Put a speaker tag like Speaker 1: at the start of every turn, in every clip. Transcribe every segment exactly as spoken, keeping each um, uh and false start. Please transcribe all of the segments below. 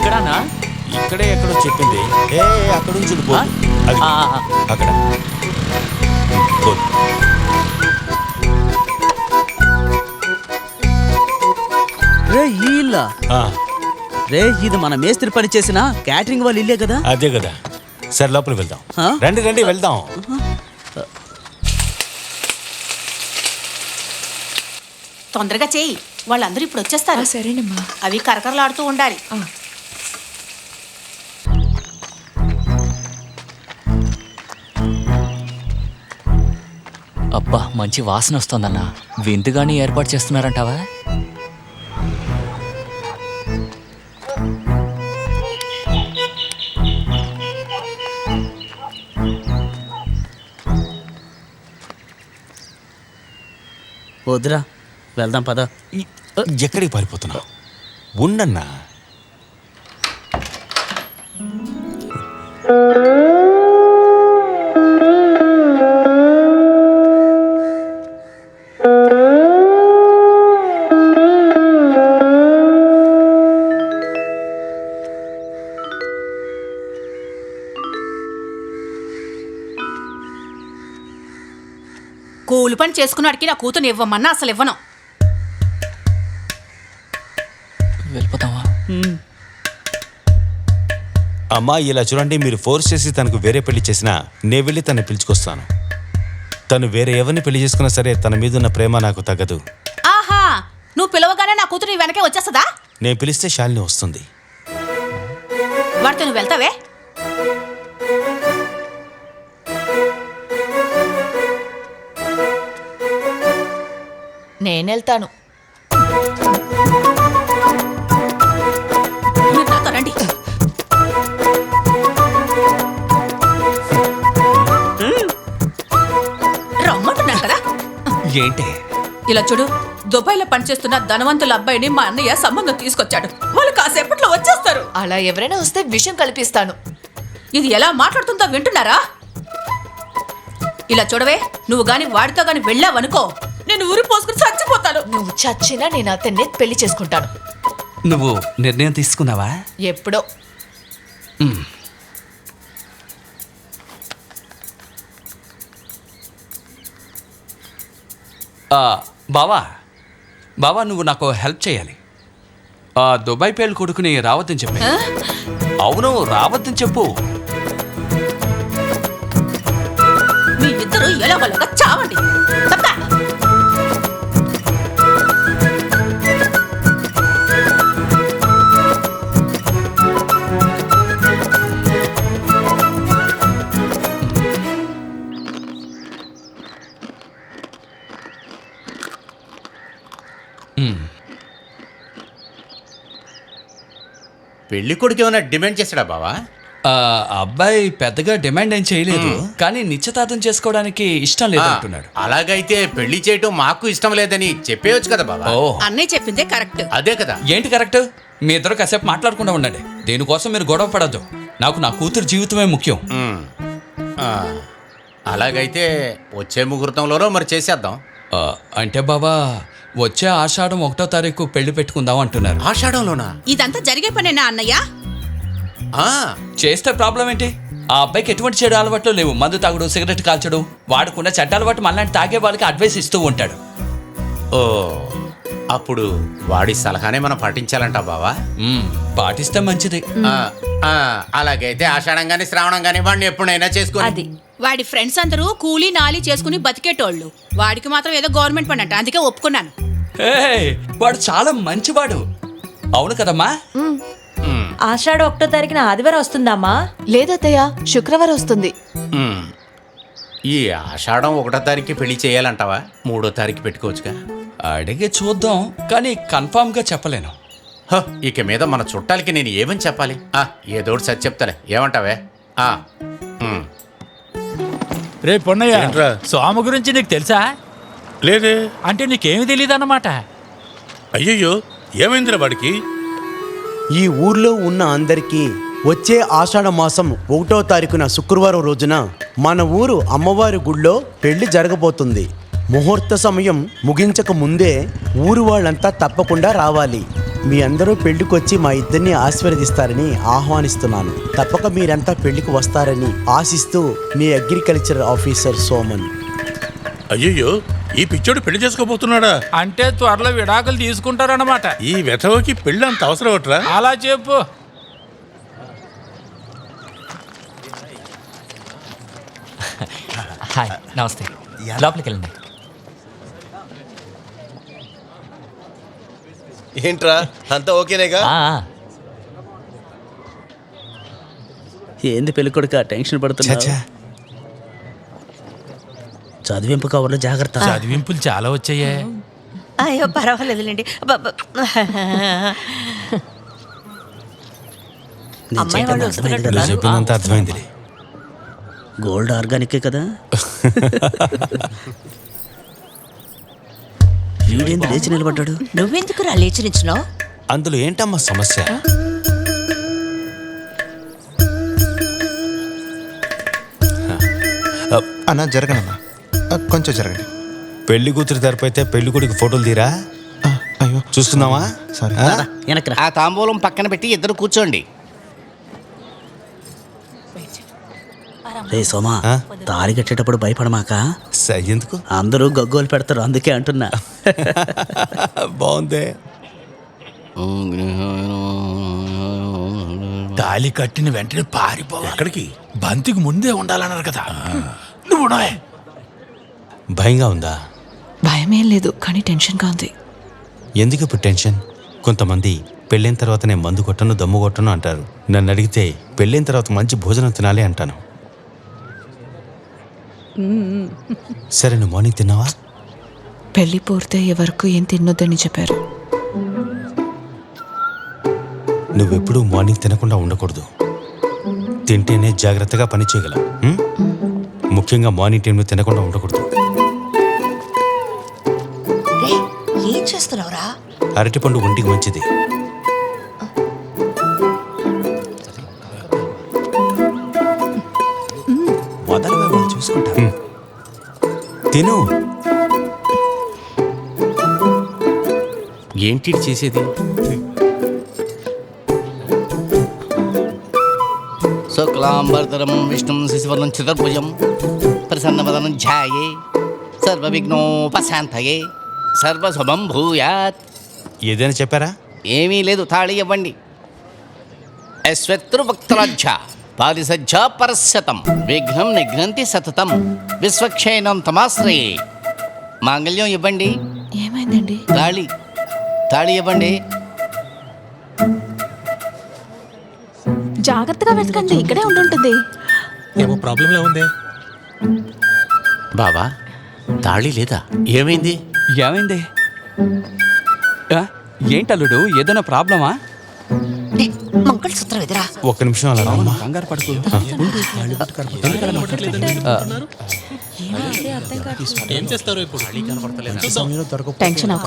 Speaker 1: ఇక్కడనా?
Speaker 2: ఇక్కడే ఎక్కడో చెప్పింది. ఏ అక్కడ నుంచి పో. అది అక్కడ
Speaker 3: రే ఈ ఇల్లా? రే ఇది మన మేస్త్రి పని చేసిన క్యాటరింగ్ వాళ్ళ ఇల్లే కదా?
Speaker 2: అదే కదా. సరే లోపలికి వెళ్దాం. రండి రండి వెళ్దాం.
Speaker 4: తొందరగా చేయి, వాళ్ళందరూ ఇప్పుడు వచ్చేస్తారు.
Speaker 5: సరేనమ్మా.
Speaker 4: అవి కరకరలాడుతూ ఉండాలి.
Speaker 1: అబ్బా మంచి వాసన వస్తుందన్నా. విందుగాని ఏర్పాటు చేస్తున్నారంటావా?
Speaker 3: వద్దురా, వెళ్దాం పద.
Speaker 2: ఎక్కడికి పారిపోతున్నావు? ఉండన్నా.
Speaker 4: కూలి పని చేసుకున్నాడికి నా కూతురు ఇవ్వమన్నా అసలు ఇవ్వను.
Speaker 1: వెళ్ళిపోతావా?
Speaker 2: అమ్మా ఇలా చూడండి, మీరు ఫోర్స్ చేసి తనకు వేరే పెళ్లి చేసినా నే వెళ్ళి తను పిలుచుకొస్తాను. తను వేరే ఎవరిని పెళ్లి చేసుకున్నా సరే తన మీద ఉన్న ప్రేమ నాకు తగ్గదు.
Speaker 4: ఆహా, నువ్వు పిలవగానే నా కూతురు నీ వెనకే వచ్చేస్తుందా?
Speaker 2: నేను పిలిస్తే శాలిని వస్తుంది.
Speaker 4: వాడితో నువ్వు వెళ్తావే?
Speaker 5: నేనెళ్తాను.
Speaker 4: నాతో రండి. రమ్మంటున్నాను కదా.
Speaker 1: ఏంటి
Speaker 4: ఇలా చూడు, దుబాయ్లో పనిచేస్తున్న ధనవంతుల అబ్బాయిని మా అన్నయ్య సంబంధం తీసుకొచ్చాడు. వాళ్ళు కాసేపట్లో వచ్చేస్తారు.
Speaker 5: అలా ఎవరైనా వస్తే విషయం కల్పిస్తాను.
Speaker 4: ఇది ఎలా మాట్లాడుతుందో వింటున్నారా? ఇలా చూడవే, నువ్వు గాని వాడితో గాని వెళ్ళావనుకో, నేను ఊరి పోసుకుని చచ్చిపోతాను.
Speaker 5: నువ్వు చచ్చినా నేను అతన్ని పెళ్లి చేసుకుంటాను.
Speaker 3: నువ్వు నిర్ణయం తీసుకున్నావా?
Speaker 5: ఎప్పుడో.
Speaker 6: బావా బావా నువ్వు నాకు హెల్ప్ చేయాలి. ఆ దుబాయ్ పేలు కొడుకుని రావద్దని చెప్పి. అవును రావద్దని చెప్పు.
Speaker 4: మీ ఇద్దరు ఎలాగోలాగా చావండి. తప్ప
Speaker 7: పెళ్లి కొడుకు ఏమైనా డిమాండ్ చేశాడా బావా?
Speaker 6: అబ్బాయి పెద్దగా డిమాండ్ ఏం చేయలేదు, కానీ నిశ్చితార్థం చేసుకోవడానికి ఇష్టం లేదు అంటున్నాడు.
Speaker 7: అలాగైతే పెళ్లి చేయటం మాకు ఇష్టం లేదని చెప్పేయచ్చు కదా బావా.
Speaker 4: అన్నయ్య చెప్పిందే కరెక్ట్.
Speaker 7: అదే కదా.
Speaker 6: ఏంటి కరెక్ట్? మీ ఇద్దరు కాసేపు మాట్లాడకుండా ఉండండి. దేనికోసం మీరు గొడవ పడద్దు. నాకు నా కూతురు జీవితమే ముఖ్యం.
Speaker 7: అలాగైతే వచ్చే ముహూర్తంలోనో మరి చేసేద్దాం.
Speaker 6: అంటే బాబా వచ్చే ఆషాఢం ఒకటో తారీఖు పెళ్లి పెట్టుకుందాం అంటున్నారు.
Speaker 7: ఆషాఢంలోనా?
Speaker 4: ఇదంతా జరిగే పనేనా అన్నయ్య?
Speaker 6: చేస్తే ప్రాబ్లం ఏంటి? ఆ అబ్బాయికి ఎటువంటి చెడు అలవాట్లు లేవు. మందు తాగుడు, సిగరెట్ కాల్చడు. వాడుకున్న చెడ్డ అలవాటు మళ్ళీ తాగే వాళ్ళకి అడ్వైస్ ఇస్తూ ఉంటాడు.
Speaker 7: ఓ, అప్పుడు వాడి సలహానే మనం పాటించాలంట బావా.
Speaker 6: పాటిస్తే మంచిది.
Speaker 7: అలాగైతే ఆషాఢం గానీ శ్రావణం గానీ వాడిని ఎప్పుడైనా చేసుకోవాలి.
Speaker 4: వాడి ఫ్రెండ్స్ అందరూ కూలీ నాలి చేసుకుని బతికేటోళ్ళు. వాడికి మాత్రం ఏదో గవర్నమెంట్ పని అంట, అందుకే ఒప్పుకున్నాను.
Speaker 6: వాడు చాలా మంచివాడు. అవును కదమ్మా?
Speaker 8: ఆషాఢ ఒకటో తారీఖున ఆదివారం వస్తుందమ్మా?
Speaker 5: లేదత్తయ్య, శుక్రవారం వస్తుంది.
Speaker 7: ఈ ఆషాఢం ఒకటో తారీఖు పెళ్లి చేయాలంటావా? మూడో తారీఖు పెట్టుకోవచ్చుగా.
Speaker 6: అడిగి చూద్దాం, కానీ కన్ఫామ్ గా చెప్పలేను.
Speaker 7: ఇక మీద మన చుట్టాలకి నేను ఏమని చెప్పాలి? ఏదోటి సరి చెప్తాలే, ఏమంటావే?
Speaker 9: రే పొన్నయ్య, స్వామి గురించి నీకు తెలుసా?
Speaker 10: లేదే.
Speaker 9: అంటే నీకేమి తెలియదు అన్నమాట.
Speaker 10: అయ్యయ్యో, ఏమైందిరా వాడికి?
Speaker 11: ఈ ఊర్లో ఉన్న అందరికీ వచ్చే ఆషాఢ మాసం ఒకటో తారీఖున శుక్రవారం రోజున మన ఊరు అమ్మవారి గుళ్ళో పెళ్లి జరగబోతుంది. ముహూర్త సమయం ముగించక ముందే ఊరు వాళ్ళంతా తప్పకుండా రావాలి. మీ అందరూ పెళ్లికి వచ్చి మా ఇద్దరిని ఆశీర్వదిస్తారని ఆహ్వానిస్తున్నాను. తప్పక మీరంతా పెళ్లికి వస్తారని ఆశిస్తూ మీ అగ్రికల్చర్ ఆఫీసర్ సోమన్.
Speaker 10: అయ్యయ్యో, ఈ పిచ్చోడు పెళ్లి చేసుకోబోతున్నాడా?
Speaker 9: అంటే త్వరలో విడాకులు తీసుకుంటారన్నమాట.
Speaker 10: ఈ వెధవకి పెళ్లి అంత అవసరం ఒకట్రా?
Speaker 9: అలా చెప్పు.
Speaker 1: హాయ్, నమస్తే. లోపలికి వెళ్ళండి.
Speaker 12: ఏంట్రా అంతా ఓకేనేగా?
Speaker 1: ఆ, ఆ.
Speaker 3: ఏంది పెళ్లి కొడుక టెన్షన్ పడుతున్నా?
Speaker 2: చచ్చా
Speaker 3: చదివింపు కవర్లో జాగ్రత్త.
Speaker 9: చదివింపులు చాలా వచ్చాయే.
Speaker 8: అయ్యో పర్వాలేదులేండి.
Speaker 3: నేను
Speaker 8: అమ్మాయి
Speaker 3: చెప్పేది
Speaker 8: వాళ్ళు
Speaker 3: అర్థమైంది
Speaker 8: వస్తున్నట్టు
Speaker 3: కదా?
Speaker 2: నువ్వు చెప్పిందంతా అర్థమైందిలే.
Speaker 3: గోల్డ్ ఆర్గానికే కదా? వీడేంది లేచి నిలబడ్డాడు?
Speaker 8: నువ్వెందుకు రా లేచి నిచ్చినావు?
Speaker 2: అందులో ఏంటమ్మా సమస్య?
Speaker 12: అన్నా జరగనన్నా, కొంచెం జరగండి.
Speaker 2: పెళ్లి కూతురు తరపైతే పెళ్లి కొడుకు ఫోటోలు తీరా.
Speaker 12: అయ్యో
Speaker 2: చూస్తున్నావా?
Speaker 12: సారీ.
Speaker 2: ఆ?
Speaker 3: వెనక్రా.
Speaker 7: ఆ తాంబూలం పక్కన పెట్టి ఇద్దరు కూర్చోండి.
Speaker 3: రే సోమా,
Speaker 2: ఆ?
Speaker 3: తాళి కట్టేటప్పుడు భయపడమాక.
Speaker 2: స- ఎందుకు?
Speaker 3: అందరూ గగ్గోలు పెడతారు, అందుకే అంటున్నా.
Speaker 2: బాగుందే.
Speaker 9: తాళి కట్టిన వెంటనే పారిపోవాలి.
Speaker 10: ఎక్కడికి?
Speaker 9: బంతికి ముందే ఉండాలన్నారు కదా. నువ్వు ఉండవే.
Speaker 2: భయంగా ఉందా?
Speaker 5: భయమేం లేదు, కానీ టెన్షన్గా ఉంది.
Speaker 2: ఎందుకు ఇప్పుడు టెన్షన్? కొంతమంది పెళ్ళైన తర్వాతనే మందు కొట్టను దమ్ము కొట్టను అంటారు. నన్ను అడిగితే పెళ్ళైన తర్వాత మంచి భోజనం తినాలి అంటాను. సరే, నువ్వు మార్నింగ్ తిన్నావా?
Speaker 5: పెళ్లి పూర్తయ్యే వరకు ఏం తినొద్దని చెప్పారు.
Speaker 2: నువ్వెప్పుడూ మార్నింగ్ తినకుండా ఉండకూడదు. తింటేనే జాగ్రత్తగా పని చేయగలవు. ఉం? ముఖ్యంగా మార్నింగ్ టైంలో తినకుండా ఉండకూడదు.
Speaker 8: ఏం చేస్తున్నావురా?
Speaker 2: అరటిపండు ఒంటికి మంచిది. వదలవే, వాళ్ళు చూసుకుంటారు. ఉం. తిను.
Speaker 7: ఏంటి చేసేది? శుక్లాంబరధరం విష్ణుం శశివర్ణం చతుర్భుజం ప్రసన్నవదనం ధ్యాయే సర్వవిఘ్నోపశాంతయే సర్వశుభం భూయాత్.
Speaker 2: ఏదైనా చెప్పారా?
Speaker 7: ఏమీ లేదు, తాళి ఇవ్వండి. అశ్వత్రువక్త్రాజ్య పారిసజ్జ పరశతం విఘ్నం నిఘ్నంతి సతతం విశ్వక్షేణం తమాశ్రయే. మాంగళ్యం ఇవ్వండి.
Speaker 5: ఏమైందండి?
Speaker 7: తాళి తాళి ఇవ్వండి.
Speaker 5: జాగ్రత్తగా వెతకండి, ఇక్కడే ఉండుంటుంది.
Speaker 10: ఏమో ప్రాబ్లంలా ఉంది.
Speaker 7: బావా, తాళి లేదా? ఏమైంది?
Speaker 6: ఏమైంది? ఆ, ఏంటల్లుడు, ఏదైనా ప్రాబ్లమా?
Speaker 8: మంగళసూత్రం ఎదురా.
Speaker 2: ఒక్క నిమిషం అలా రామ్మా.
Speaker 6: కంగారు పడుకో.
Speaker 10: ఏం చేస్తారు ఇప్పుడు?
Speaker 5: టెన్షన్ అవ్వకు.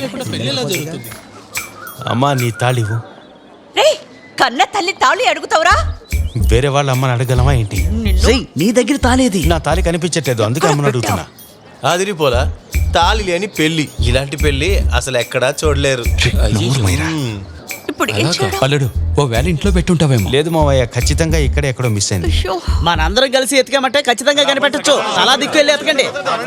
Speaker 2: అమ్మా, నీ తాళివు.
Speaker 8: రే, కన్న తల్లి తాళి అడుగుతావురా?
Speaker 2: వేరే వాళ్ళ అమ్మని అడగలమా ఏంటి?
Speaker 3: రేయ్, నీ దగ్గర తాళేది?
Speaker 2: నా తాళి కనిపించట్లేదు, అందుకే అమ్మని అడుగుతున్నా.
Speaker 12: అదిరిపోలా, తాళి లేని పెళ్లి. ఇలాంటి పెళ్లి అసలు ఎక్కడా చూడలేరు.
Speaker 8: ఇప్పుడు ఏం చేయడం?
Speaker 6: అల్లుడు, ఓ వేళ ఇంట్లో పెట్టుంటావేమో.
Speaker 2: లేదు మావయ్య, ఖచ్చితంగా ఇక్కడే ఎక్కడో మిస్ అయింది.
Speaker 8: అయ్యో,
Speaker 3: మనందరం కలిసి ఎతికామంటే ఖచ్చితంగా కనిపెట్టచ్చు. అలా దిక్కు వెళ్ళి ఎతకండి.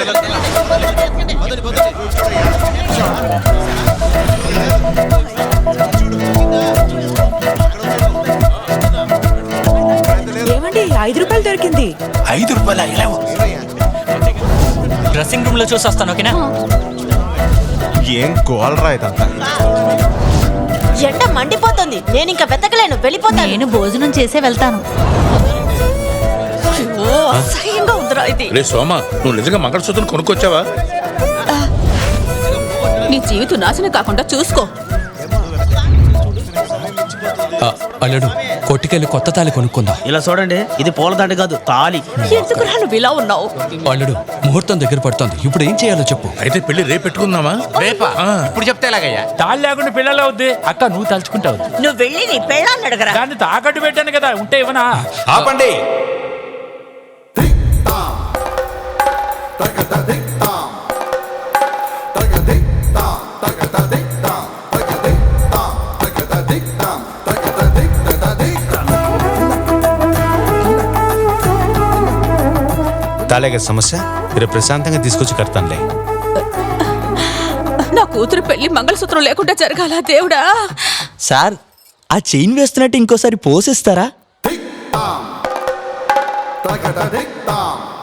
Speaker 5: ఏమండి, ఐదు రూపాయలు దొరికింది.
Speaker 9: ఐదు రూపాయలు అయ్యలేవు.
Speaker 1: డ్రెస్సింగ్ రూమ్ లో చూసి వస్తాను, ఓకేనా?
Speaker 12: ఏం గోల్రా ఇదంతా?
Speaker 8: ఎండ మండిపోతుంది, నేను ఇంకా వెతకలేను, వెళ్ళిపోతాను. నేను భోజనం చేసే వెళ్తాను. ఓ, అసహ్యంగా ఉందిరా ఇది.
Speaker 10: రే సోమ, నువ్వు నిజంగా మంగళసూత్రం కొనుక్కొచ్చావా?
Speaker 4: నీ జీవితం నాశనం కాకుండా చూసుకో.
Speaker 6: ఆ, అల్లుడు, కొట్టుకెళ్ళి కొత్త తాళి కొనుక్కుందాం.
Speaker 3: ఇలా చూడండి, ఇది పూలదండ కాదు, తాళి.
Speaker 4: ఎందుకురా నువ్వు ఇలా ఉన్నావు?
Speaker 6: అల్లుడు, ముహూర్తం దగ్గర పడుతోంది. ఇప్పుడు ఏం చేయాలో చెప్పు.
Speaker 10: అయితే పెళ్లి రేపు పెట్టుకుందామా?
Speaker 7: రేపా? ఇప్పుడు చెప్తే ఎలాగయ్యా?
Speaker 9: తాళి లేకుండా పిల్లలు అవుద్ది. అక్క, నువ్వు తలుచుకుంటావు.
Speaker 8: నువ్వు వెళ్ళి నీ పెళ్ళాన్ని అడగరా.
Speaker 9: దాన్ని తాకట్టు పెట్టాను కదా, ఉంటే ఇవ్వనా?
Speaker 2: ఆపండి. తాళేగా సమస్య రేపు ప్రశాంతంగా తీసుకొచ్చి కడతానులే.
Speaker 4: నా కూతురు పెళ్లి మంగళసూత్రం లేకుండా జరగాల దేవుడా.
Speaker 1: సార్ ఆ చైన్ వేస్తున్నట్టు ఇంకోసారి పోసేస్తారా?